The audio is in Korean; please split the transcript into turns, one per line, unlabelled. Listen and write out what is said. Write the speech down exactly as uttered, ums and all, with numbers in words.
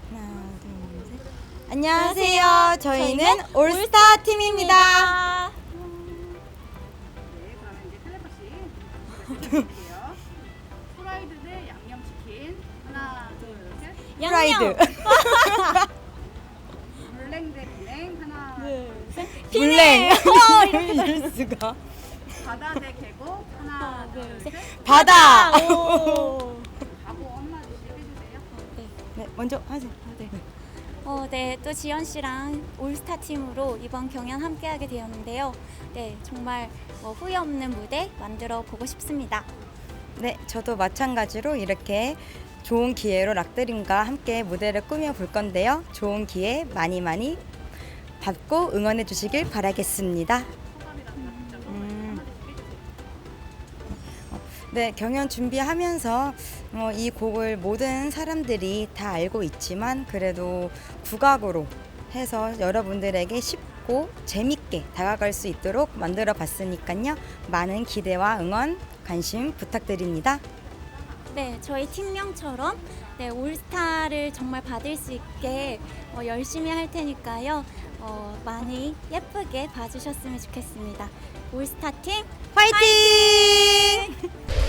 하나, 둘, 셋. 안녕하세요. 저희는 올스타 팀입니다.
네, 그러면 이제 텔레파시 드릴게요. 프라이드 대 양념치킨. 하나, 둘, 셋.
프라이드.
물냉 대 비냉. 하나, 둘, 셋.
물냉.
어,
이럴 수가.
바다 대 계곡. 하나, 둘, 셋.
바다.
오.
가고 한마디씩 해주세요.
네, 먼저 하세요. 네.
어, 네, 또 지연 씨랑 올스타 팀으로 이번 경연 함께하게 되었는데요. 네, 정말 뭐 후회 없는 무대 만들어 보고 싶습니다.
네, 저도 마찬가지로 이렇게 좋은 기회로 락드림과 함께 무대를 꾸며 볼 건데요. 좋은 기회 많이 많이 받고 응원해 주시길 바라겠습니다.
소감이라든가 진짜
음.
한마디씩 해주세요.
네, 경연 준비하면서 어, 이 곡을 모든 사람들이 다 알고 있지만 그래도 국악으로 해서 여러분들에게 쉽고 재밌게 다가갈 수 있도록 만들어 봤으니까요. 많은 기대와 응원, 관심 부탁드립니다.
네, 저희 팀명처럼 네, 올스타를 정말 받을 수 있게 어, 열심히 할 테니까요. 어, 많이 예쁘게 봐주셨으면 좋겠습니다. 올스타 팀
화이팅!